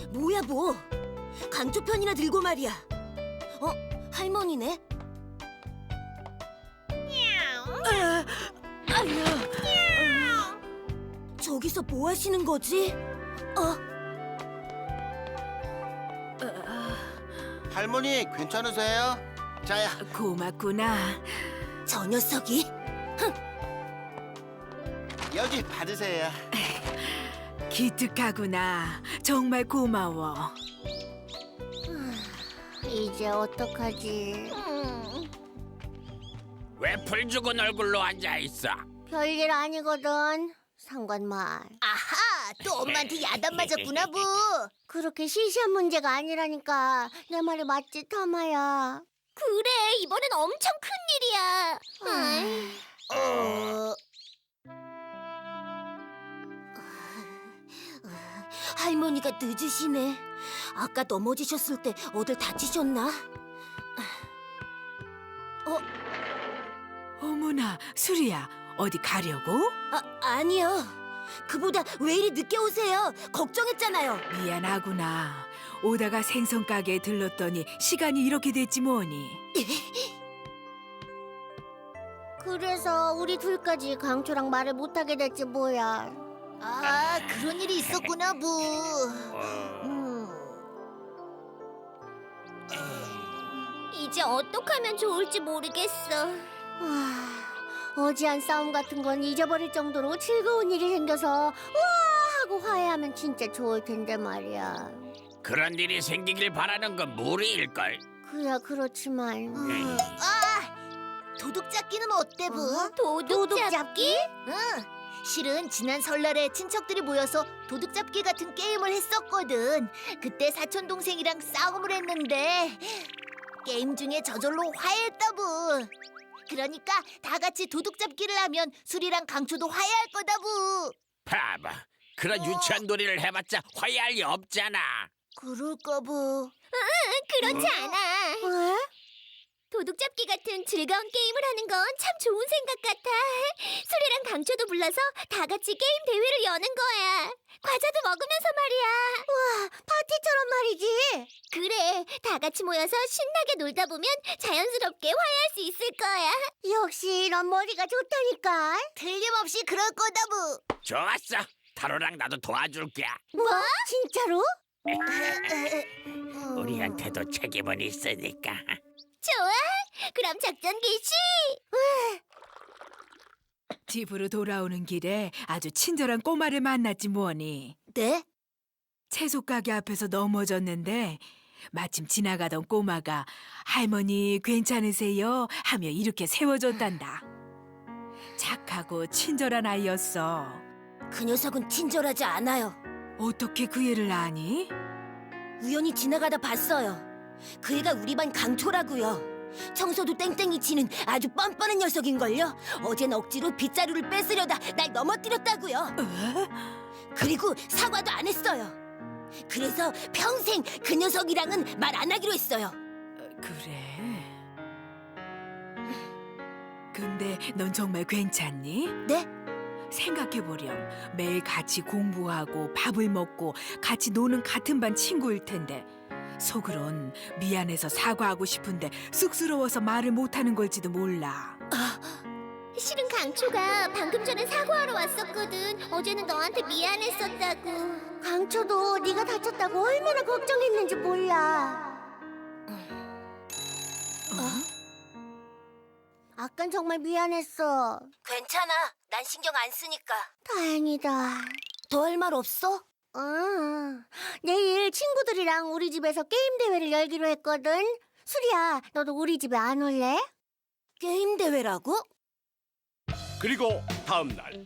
뭐야 뭐? 강조 편이나 들고 말이야. 할머니네? 아야. 저기서 뭐 하시는 거지? 할머니 괜찮으세요? 자야. 고맙구나. 저 녀석이? 여기 받으세요. 기특하구나. 정말 고마워. 이제 어떡하지? 왜 풀 죽은 얼굴로 앉아 있어? 별일 아니거든. 상관말. 아하, 또 엄마한테 야단 맞았구나 부. 그렇게 시시한 문제가 아니라니까. 내 말이 맞지, 타마야? 그래, 이번엔 엄청 큰 일이야. 할머니가 늦으시네. 아까 넘어지셨을 때 어딜 다치셨나? 어머나, 수리야. 어디 가려고? 아니요. 그보다 왜 이리 늦게 오세요? 걱정했잖아요. 미안하구나. 오다가 생선 가게에 들렀더니 시간이 이렇게 됐지 뭐니. 그래서 우리 둘까지 강초랑 말을 못하게 됐지 뭐야. 아, 그런 일이 있었구나, 부. 이제 어떡하면 좋을지 모르겠어. 어지한 싸움 같은 건 잊어버릴 정도로 즐거운 일이 생겨서 와 하고 화해하면 진짜 좋을 텐데 말이야. 그런 일이 생기길 바라는 건 무리일걸. 그야 그렇지만 도둑잡기는 어때, 부? 도둑잡기? 응. 실은 지난 설날에 친척들이 모여서 도둑잡기 같은 게임을 했었거든. 그때 사촌 동생이랑 싸움을 했는데 게임 중에 저절로 화해했다부. 그러니까 다 같이 도둑잡기를 하면 수리랑 강초도 화해할 거다부. 봐봐, 그런 유치한 놀이를 해봤자 화해할 리 없잖아. 그럴까부. 그렇지 않아. 왜? 도둑잡기 같은 즐거운 게임을 하는 건 참 좋은 생각 같아. 수리랑 강초도 불러서 다 같이 게임 대회를 여는 거야. 과자도 먹으면서 말이야. 파티처럼 말이지. 그래, 다 같이 모여서 신나게 놀다 보면 자연스럽게 화해할 수 있을 거야. 역시 넌 머리가 좋다니까. 틀림없이 그럴 거다부. 좋았어, 타로랑 나도 도와줄게. 뭐? 진짜로? 우리한테도 책임은 있으니까. 좋아, 그럼 작전 개시. 집으로 돌아오는 길에 아주 친절한 꼬마를 만났지 뭐니. 네? 채소 가게 앞에서 넘어졌는데 마침 지나가던 꼬마가 할머니 괜찮으세요? 하며 이렇게 세워줬단다. 착하고 친절한 아이였어. 그 녀석은 친절하지 않아요. 어떻게 그 애를 아니? 우연히 지나가다 봤어요. 그 애가 우리 반 강초라고요. 청소도 땡땡이 치는 아주 뻔뻔한 녀석인걸요. 어젠 억지로 빗자루를 뺏으려다 날 넘어뜨렸다고요. 그리고 사과도 안 했어요. 그래서 평생 그 녀석이랑은 말 안 하기로 했어요. 그래. 근데 넌 정말 괜찮니? 네? 생각해보렴. 매일 같이 공부하고 밥을 먹고 같이 노는 같은 반 친구일 텐데 속으론 미안해서 사과하고 싶은데 쑥스러워서 말을 못하는 걸지도 몰라. 실은 강초가 방금 전에 사과하러 왔었거든. 어제는 너한테 미안했었다고. 강초도 네가 다쳤다고 얼마나 걱정했는지 몰라. 아깐 정말 미안했어. 괜찮아. 난 신경 안 쓰니까. 다행이다. 더 할 말 없어? 내일 친구들이랑 우리 집에서 게임 대회를 열기로 했거든. 수리야, 너도 우리 집에 안 올래? 게임 대회라고? 그리고 다음 날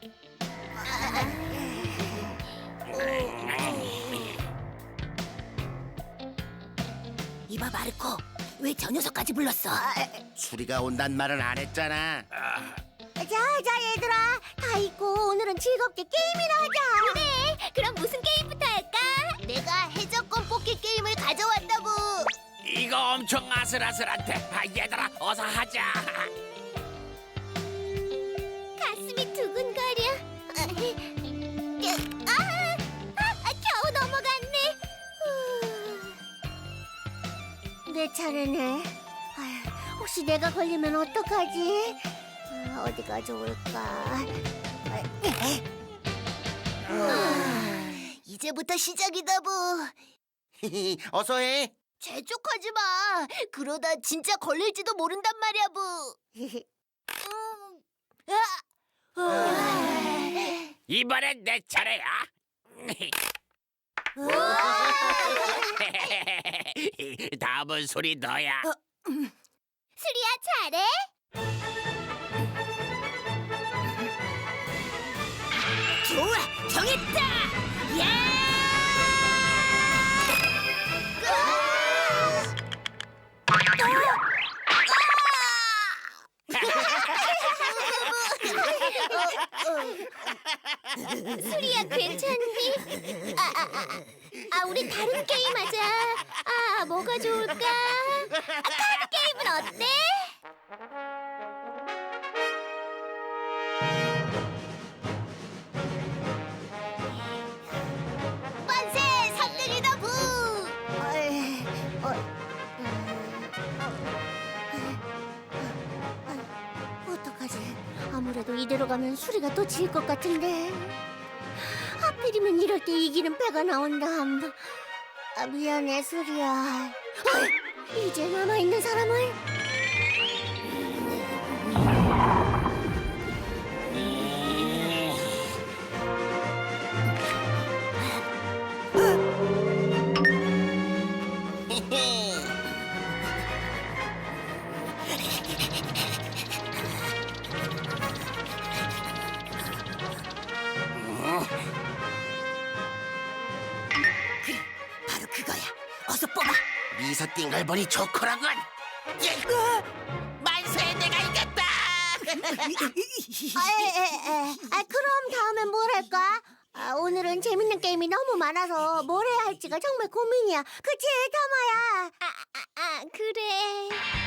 이봐 마르코, 왜 저 녀석까지 불렀어? 수리가 온단 말은 안 했잖아. 자, 얘들아. 다 있고 오늘은 즐겁게 게임이나 하자. 그래, 그럼 무슨 게임부터 할까? 내가 해적권 뽑기 게임을 가져왔다고. 이거 엄청 아슬아슬한데. 얘들아, 어서 하자. 가슴이 두근거려. 겨우 넘어갔네. 내 차례네. 혹시 내가 걸리면 어떡하지? 어디가 좋을까? 이제부터 시작이다 부. 어서 해. 재촉하지 마. 그러다 진짜 걸릴지도 모른단 말이야 부. 이번엔 내 차례야. 다음은 소리 너야. 수리야 잘해? 좋아, 정했다. 야! 수리야 괜찮니? 우리 다른 게임 하자. 뭐가 좋을까? 카드 게임은 어때? 만세! 3등이다 부! 어떡하지? 아무래도 이대로 가면 수리가 또 질 것 같은데. 하필이면 이럴 때 이기는 패가 나온담. 미안해 수리야. 이제 남아있는 사람을. 바로 그거야. 어서 뽑아. 미소 띵글보니 좋거라군. 만세, 내가 이겼다. 그럼 다음엔 뭘 할까? 오늘은 재밌는 게임이 너무 많아서 뭘 해야 할지가 정말 고민이야. 그치, 타마야? 그래.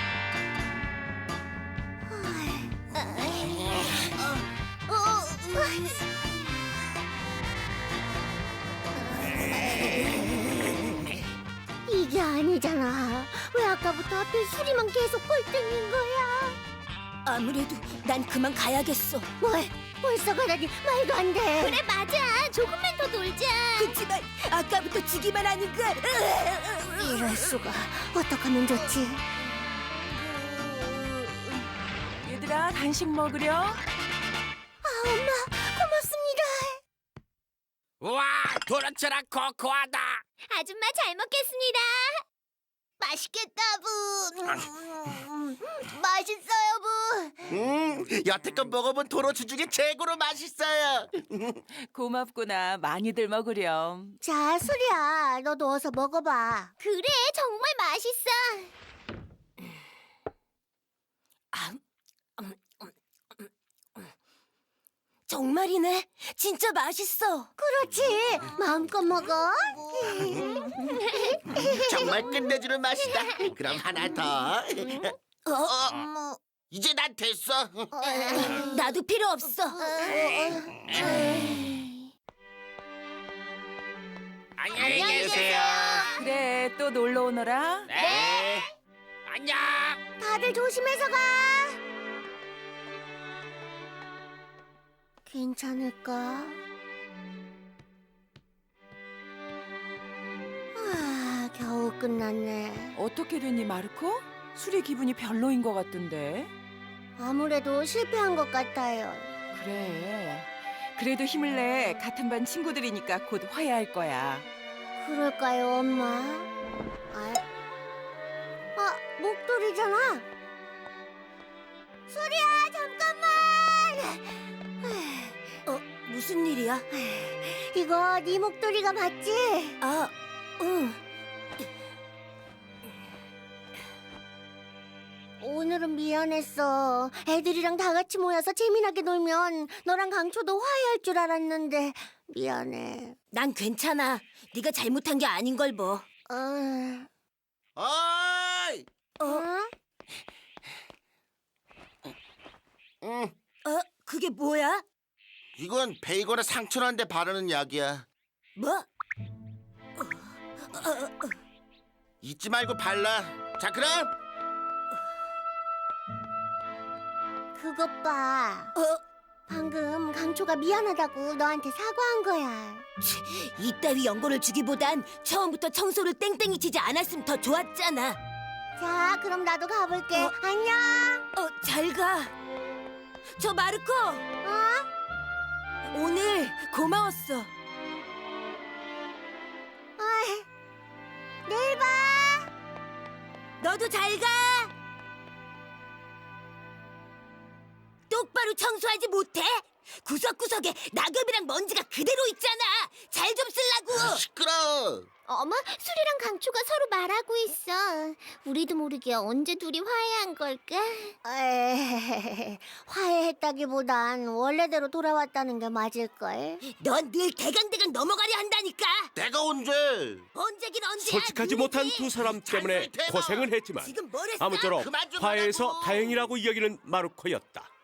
이게 아니잖아. 왜 아까부터 하필 수리만 계속 꼴등인 거야? 아무래도 난 그만 가야겠어. 뭘? 벌써 가다니 말도 안 돼. 그래 맞아. 조금만 더 놀자. 그치만 아까부터 지기만 하니까. 이럴 수가. 어떡하면 좋지? 얘들아, 간식 먹으려? 엄마 고맙습니다. 와, 도넛처럼 코코하다. 아줌마 잘 먹겠습니다. 맛있겠다 부. 맛있어요 부. 여태껏 먹어본 도넛 중에 최고로 맛있어요. 고맙구나. 많이들 먹으렴. 자 수리야 너도 어서 먹어봐. 그래 정말 맛있어. 정말이네. 진짜 맛있어. 그렇지 마음껏 먹어. 정말 끝내주는 맛이다. 그럼 하나 더. 이제 난 됐어. 나도 필요 없어. 안녕히 계세요. 그래, 또 놀러 오너라. 네. 안녕. 다들 조심해서 가. 괜찮을까? 겨우 끝났네. 어떻게 됐니, 마르코? 수리 기분이 별로인 것 같던데. 아무래도 실패한 것 같아요. 그래. 그래도 힘을 내. 같은 반 친구들이니까 곧 화해할 거야. 그럴까요, 엄마? 목도리잖아. 수리야, 잠깐만. 무슨 일이야? 이거 네 목도리가 맞지? 응. 오늘은 미안했어. 애들이랑 다 같이 모여서 재미나게 놀면 너랑 강초도 화해할 줄 알았는데 미안해. 난 괜찮아. 네가 잘못한 게 아닌 걸 뭐. 어이! 그게 뭐야? 이건 베이거나 상처난 데 바르는 약이야. 뭐? 잊지 말고 발라. 자, 그럼 그것 봐. 방금 강초가 미안하다고 너한테 사과한 거야. 이따위 연고를 주기보단 처음부터 청소를 땡땡이 치지 않았으면 더 좋았잖아. 자, 그럼 나도 가볼게. 안녕. 잘 가. 저 마르코, 오늘 고마웠어. 내일 봐. 너도 잘 가. 똑바로 청소하지 못해? 구석구석에 낙엽이랑 먼지가 그대로 있잖아. 잘 좀 쓰려고. 시끄러. 어머, 수리랑 강초가 서로 말하고 있어. 우리도 모르게 언제 둘이 화해한 걸까? 화해했다기보단 원래대로 돌아왔다는 게 맞을걸. 넌 늘 대강대강 넘어가려 한다니까. 내가 언제? 언제긴 언제야. 솔직하지 누구지? 못한 두 사람 때문에 잔소리 대박. 고생은 했지만 지금 뭘 했어? 아무쪼록 그만 좀 화해해서 하라고. 다행이라고 여기는 마루코였다.